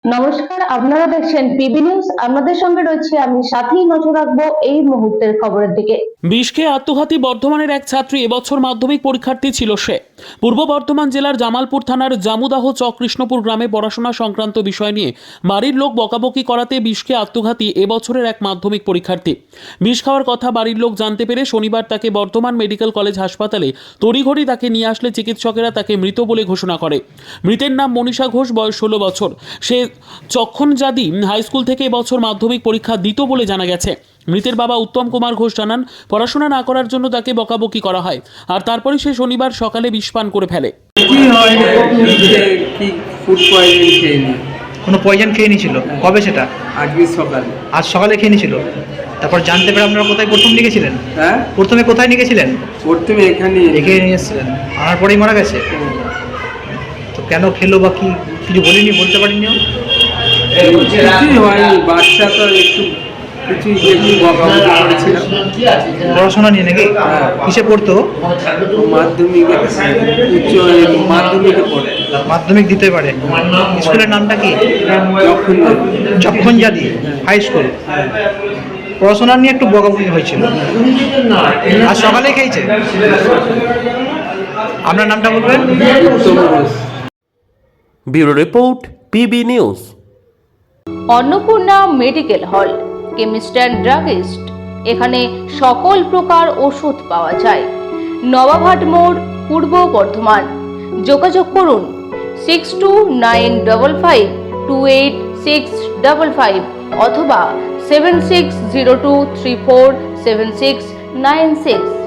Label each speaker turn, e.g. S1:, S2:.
S1: নমস্কার, আপনারা দেখছেন পিবি নিউজ। আপনাদের সঙ্গে রয়েছে আমি, সাথেই নজর রাখবো এই মুহূর্তের খবরের দিকে।
S2: বিষকে আত্মঘাতী বর্ধমানের এক ছাত্রী এবছর মাধ্যমিক পরীক্ষার্থী ছিল সে। পূর্ব বর্ধমান জেলার জামালপুর থানার জামুদাহ চক কৃষ্ণপুর গ্রামে পড়াশোনা সংক্রান্ত বিষয় নিয়ে বাড়ির লোক বকাবকি করাতে বিষকে আত্মঘাতী এবছরের এক মাধ্যমিক পরীক্ষার্থী। বিষ খাওয়ার কথা বাড়ির লোক জানতে পেরে শনিবার তাকে বর্ধমান মেডিকেল কলেজ হাসপাতালে তড়িঘড়ি তাকে নিয়ে আসলে চিকিৎসকেরা তাকে মৃত বলে ঘোষণা করে। মৃতের নাম মনীষা ঘোষ, বয়স 16 বছর। সে চক্ষণজাদি হাই স্কুল থেকে এবছর মাধ্যমিক পরীক্ষা দিত বলে জানা গেছে। মৃতের বাবা উত্তম কুমার ঘোষ জানান, পড়াশোনা না করার জন্য তাকে বকাবকি করা হয়, আর তারপরে সে শনিবার সকালে বিষপান করে ফেলে।
S3: কোনো পয়জন খেয়ে নিয়েছিল? কবে সেটা? আজ সকালে খেয়ে নিয়েছিল। তারপর জানতে পেরে আপনারা কোথায় প্রথম নিয়ে গেছিলেন?
S4: হ্যাঁ,
S3: প্রথমে কোথায় নিয়ে গেছিলেন?
S4: প্রথমে এখানে
S3: রেখে নিয়ে এসেছিলেন, আনার পরেই মারা গেছে। তো কেন খেলো বা কি কিছু বলিনি, বলতে পারিনি?
S4: কিছুই হয়নি, বাচ্চা তো একটু বকাবকি করেছিলাম।
S3: পড়াশোনা নিয়ে নাকি? কিসে পড়তো?
S4: মাধ্যমিকে, উচ্চ মাধ্যমিকে পড়ে।
S3: মাধ্যমিক দিতে পারে। স্কুলের নামটা কি? যক্ষণজাদি হাই স্কুল। পড়াশোনা নিয়ে একটু বকাবকি হয়েছিল, আর সকালে খেয়েছে। আপনার নামটা বলবেন?
S5: Bureau report, PB news.
S1: Annapurna medical hall, chemist and druggist. এখানে সকল প্রকার ওষুধ পাওয়া যায়। নবাবহাট মোড়, পূর্ব বর্ধমান। যোগাযোগ করুন 6295528655 অথবা 7602347696।